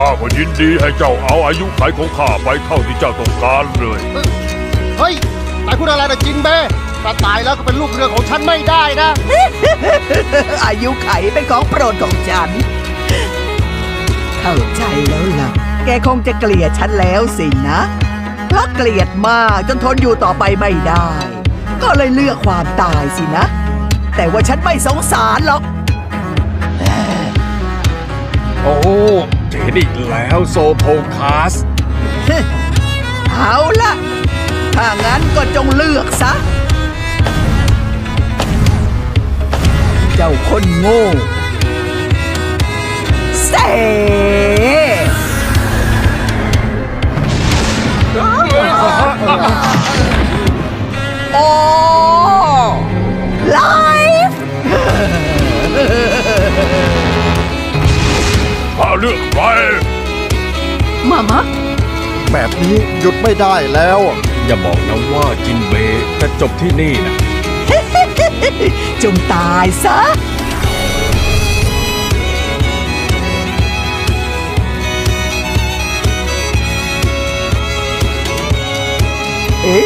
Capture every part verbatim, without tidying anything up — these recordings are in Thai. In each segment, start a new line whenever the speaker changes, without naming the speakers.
ข้าก็ยินดีให้เจ้าเอาอายุขัยของข้าไปเท่าที่เจ้าต้องการเลย
เฮ้ยนายพูดอะไรนะจินเบ้ถ้าตายแล้วก็เป็นลูกเรือของฉันไม่ได้นะ
อายุไขเป็นของโปรดของฉัน เข้าใจแล้วล่ะ แกคงจะเกลียดฉันแล้วสินะ เพราะเกลียดมากจนทนอยู่ต่อไปไม่ได้ ก็เลยเลือกความตายสินะ แต่ว่าฉันไม่สงสารหรอก
โอ้เจนอีกแล้วโซโพคัส
เอาล่ะ ถ้างั้นก็จงเลือกซะ เจ้าคนโง่เซโอ้ไลฟ์
ข้าเลือกใคร
มามะ
แบบนี้หยุดไม่ได้แล้ว
อย่าบอกนะว่าจินเบย์จะจบที่นี่นะ
จงตายซะ เอ๊ะ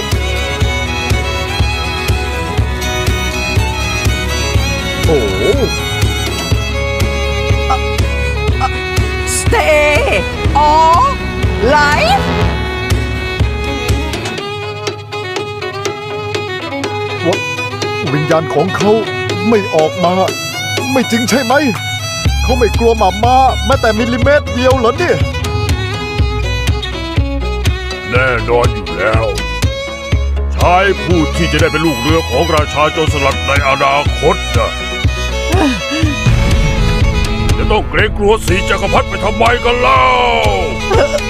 โอ้
Stay or life
วะวิญญาณของเขาไม่ออกมา ไม่จริงใช่ไหม เขาไม่กลัวหมาม้าแม้แต่มิลลิเมตรเดียวเหรอเนี่ย
แน่นอนอยู่แล้วชายผู้ที่จะได้เป็นลูกเรือของราชาโจรสลัดในอนาคตนะจะต้องเกรงกลัวสีจักรพรรดิไปทำไมกันเล่า